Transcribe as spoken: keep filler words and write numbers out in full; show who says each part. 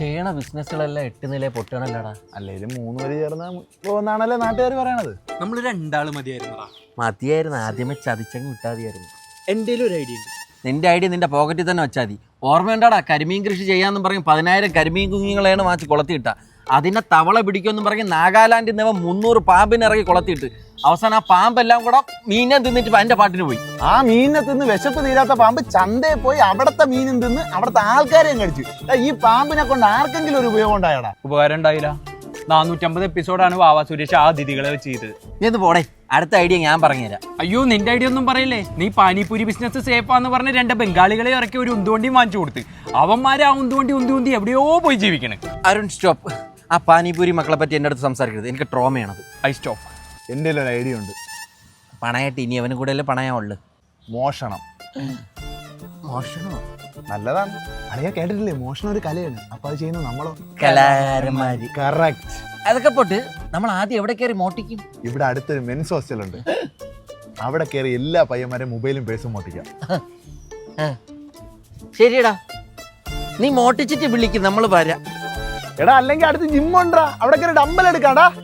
Speaker 1: ചെയ്യണ ബിസിനസ്സുകളെല്ലാം എട്ട് നില പൊട്ടണല്ലടാ.
Speaker 2: അല്ലേലും മൂന്ന് വരി ചേർന്ന പോകുന്നാണല്ലേ നാട്ടുകാർ പറയണത്.
Speaker 3: നമ്മൾ രണ്ടാള് മതിയായിരുന്നടാ.
Speaker 1: മതിയായിരുന്നു, ആദ്യമേ ചതിച്ചങ്ങ് വിട്ടാതിയായിരുന്നു.
Speaker 3: എൻ്റെ ഒരു ഐഡിയ ഉണ്ട്.
Speaker 1: നിന്റെ ഐഡിയ നിന്റെ പോക്കറ്റിൽ തന്നെ വെച്ചാൽ മതി. ഓർമ്മയുണ്ടാടാ, കരിമീൻ കൃഷി ചെയ്യാന്നും പറയും പതിനായിരം കരിമീൻ കുഞ്ഞുങ്ങളെയാണ് വാങ്ങിച്ച് കൊളത്തിയിട്ട. അതിനെ തവള പിടിക്കുമെന്നും പറഞ്ഞ് നാഗാലാൻഡിൽ നിന്ന് മുന്നൂറ് പാമ്പിനിറങ്ങി കൊളത്തിയിട്ട് അവസാനം ആ പാമ്പെല്ലാം കൂടെ മീനെ തിന്നിട്ട് എൻ്റെ പാട്ടിന് പോയി.
Speaker 2: ആ മീനിനെ തിന്ന് വിശപ്പ് തീരാത്ത പാമ്പ് ചന്തയിൽ പോയി അവിടത്തെ മീനും തിന്ന് അവിടുത്തെ ആൾക്കാരെയും കടിച്ചു. ഈ പാമ്പിനെ കൊണ്ട് ആർക്കെങ്കിലും ഒരു ഉപയോഗം ഉണ്ടായടാ?
Speaker 3: ഉപകാരം ഉണ്ടായില്ല. നാനൂറ്റമ്പത് എപ്പിസോഡാണ് വാവാ സുരേഷ് ആ അതിഥികളെ വെച്ച് ചെയ്തത്.
Speaker 1: നീ ഒന്ന് പോടേ, അടുത്ത ഐഡിയ ഞാൻ പറഞ്ഞുതരാം.
Speaker 3: അയ്യോ, നിന്റെ ഐഡിയ ഒന്നും പറയില്ലേ. നീ പാനിപ്പൂരി ബിസിനസ് സേഫാന്ന് പറഞ്ഞ് രണ്ട് ബംഗാളികളെ ഇറക്കി ഒരു ഉന്തുവണ്ടിയും വാങ്ങിച്ചു കൊടുത്ത് അവന്മാര് ആ ഉന്തുവണ്ടി ഉന്തി ഉന്തി എവിടെയോ പോയി ജീവിക്കണേ.
Speaker 1: അരുൺ സ്റ്റോപ്പ്. ആ പാനിപൂരി മക്കളെ പറ്റി എൻ്റെ അടുത്ത് സംസാരിക്കരുത്, എനിക്ക് ട്രോമയാണത്.
Speaker 3: I stop.
Speaker 2: എൻ്റെ ഒരു ഐഡിയ ഉണ്ട്.
Speaker 1: പണയായിട്ട് ഇനി അവനും കൂടെ അല്ലേ പണയാവുള്ളു.
Speaker 2: മോഷണം.
Speaker 1: മോഷണോ?
Speaker 2: നല്ലതാണ്. അളിയാ കേട്ടിട്ടില്ലേ, മോഷണം ഒരു കലയാണ്. അപ്പൊ അത് ചെയ്യുന്നത് നമ്മളോ?
Speaker 1: കലാകാരന്മാര്.
Speaker 2: കറക്റ്റ്.
Speaker 1: അതൊക്കെ പോട്ട് നമ്മൾ ആദ്യം എവിടെ കയറി മോട്ടിക്കും?
Speaker 2: ഇവിടെ അടുത്തൊരു മെൻസ് ഹോസ്റ്റൽ ഉണ്ട്. അവിടെ കയറി എല്ലാ പയ്യന്മാരെ മൊബൈലും പേഴ്സും മോട്ടിക്കാം.
Speaker 1: ശരിയടാ, നീ മോട്ടിച്ചിട്ട് വിളിക്കും, നമ്മൾ വരാം.
Speaker 2: എടാ അല്ലെങ്കിൽ അടുത്ത് ജിമ്മുണ്ടാ, അവിടെ കയറി ഡമ്പൽ എടുക്കാടാ.